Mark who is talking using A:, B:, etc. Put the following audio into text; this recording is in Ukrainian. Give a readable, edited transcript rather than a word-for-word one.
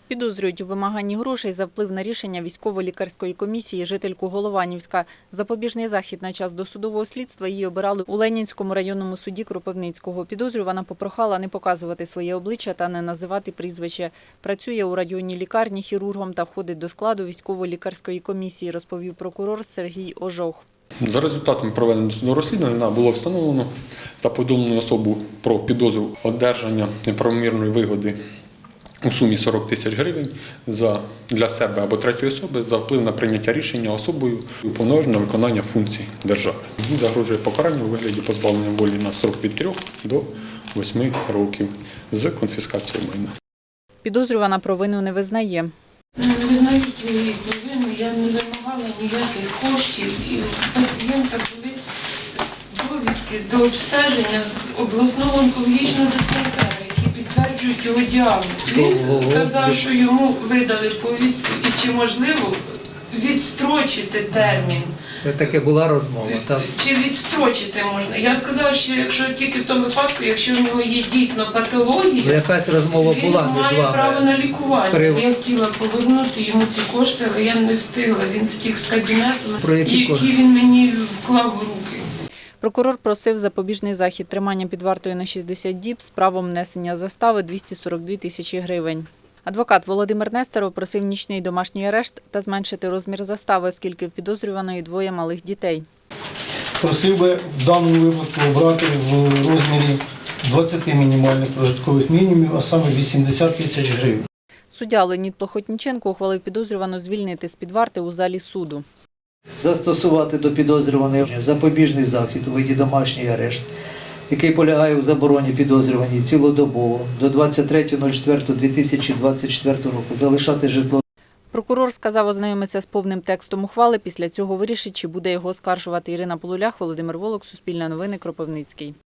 A: Підозрюють у вимаганні грошей за вплив на рішення військово-лікарської комісії жительку Голованівська. Запобіжний захід на час досудового слідства її обирали у Ленінському районному суді Кропивницького. Підозрювана попрохала не показувати своє обличчя та не називати прізвище. Працює у районній лікарні хірургом та входить до складу військово-лікарської комісії, розповів прокурор Сергій Ожох.
B: За результатами проведеного досудового розслідування було встановлено та повідомлено особу про підозру одержання неправомірної вигоди у сумі 40 тисяч гривень для себе або третьої особи за вплив на прийняття рішення особою уповноваженою на виконання функцій держави. Їй загрожує покарання у вигляді позбавлення волі на строк від 3 до 8 років з конфіскацією майна.
A: Підозрювана провину не визнає.
C: Не визнаю своєї провини, я не вимагала ніяких коштів, і у пацієнта були довідки до обстеження з обласного онкологічного диспансеру, які підтверджують його діагноз. Він сказав, що йому видали повістку і чи можливо відстрочити термін.
D: Це таке була розмова, так?
C: Чи відстрочити можна? Я сказала, що якщо тільки в тому випадку, якщо в нього є дійсно патологія,
D: Якась розмова була
C: він
D: між
C: має
D: вами.
C: право на лікування. Я хотіла повернути йому ті кошти, але я не встигла. Він втік з кабінету,
D: Про які кошти?
C: він мені вклав в руки.
A: Прокурор просив запобіжний захід тримання під вартою на 60 діб з правом внесення застави 242 тисячі гривень. Адвокат Володимир Нестеров просив нічний домашній арешт та зменшити розмір застави, оскільки в підозрюваної 2 малих дітей.
E: Просив би в даному випадку обрати в розмірі 20 мінімальних прожиткових мінімумів, а саме 80 тисяч гривень.
A: Суддя Леонід Плохотніченко ухвалив підозрювану звільнити з-під варти у залі суду.
D: Застосувати до підозрюваної запобіжний захід у виді домашній арешт, який полягає у забороні підозрюваній цілодобово до 23.04.2024 року залишати житло.
A: Прокурор сказав ознайомитися з повним текстом ухвали, після цього вирішить, чи буде його оскаржувати. Ірина Полулях, Володимир Волок, Суспільне новини, Кропивницький.